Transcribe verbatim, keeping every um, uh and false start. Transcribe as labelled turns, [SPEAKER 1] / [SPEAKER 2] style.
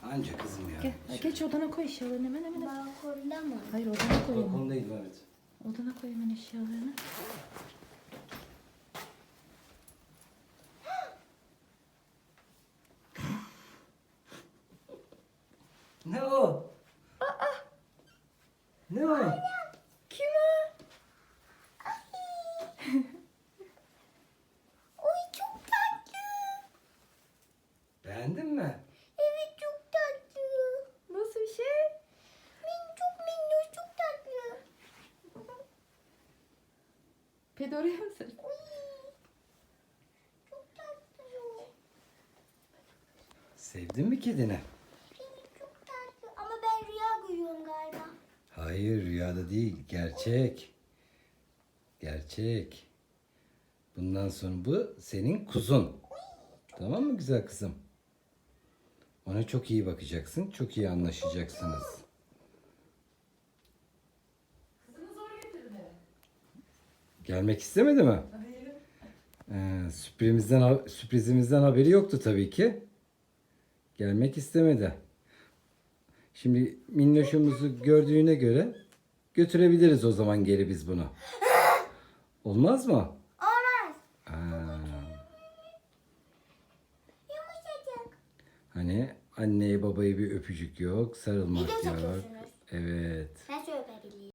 [SPEAKER 1] Anca kızım ya.
[SPEAKER 2] Gel, geç odana koy eşyalarını hemen hemen.
[SPEAKER 3] Balkonda mı?
[SPEAKER 2] Hayır odana koy hemen.
[SPEAKER 1] Balkondayım evet.
[SPEAKER 2] Odana koy hemen eşyalarını.
[SPEAKER 1] Ne o? Ne o?
[SPEAKER 2] Kim o?
[SPEAKER 3] Oy çok tatlı.
[SPEAKER 1] Beğendin mi?
[SPEAKER 3] Evet çok tatlı.
[SPEAKER 2] Nasıl bir şey?
[SPEAKER 3] Min çok minnoş çok tatlı.
[SPEAKER 2] Pedi oraya mı sar?
[SPEAKER 3] Oy. Çok tatlı.
[SPEAKER 1] Sevdin mi kedini?
[SPEAKER 3] Pini çok tatlı. Ama ben rüya görüyorum galiba.
[SPEAKER 1] Hayır rüyada değil. Gerçek. Gerçek. Bundan sonra bu senin kuzun. Tamam mı güzel kızım? Ona çok iyi bakacaksın. Çok iyi anlaşacaksınız.
[SPEAKER 2] Kızını zor getirdin eve.
[SPEAKER 1] Gelmek istemedi mi?
[SPEAKER 2] Hayır.
[SPEAKER 1] Ee, sürprizimizden, sürprizimizden haberi yoktu tabii ki. Gelmek istemedi. Şimdi minnoşumuzu gördüğüne göre götürebiliriz o zaman geri biz bunu. Olmaz mı?
[SPEAKER 3] Olmaz.
[SPEAKER 1] Aa,
[SPEAKER 3] Yumuşacık.
[SPEAKER 1] hani anneye babaya bir öpücük yok, sarılmak
[SPEAKER 3] Bir de
[SPEAKER 1] yok.
[SPEAKER 3] sokuyorsunuz.
[SPEAKER 1] Evet.
[SPEAKER 3] Ben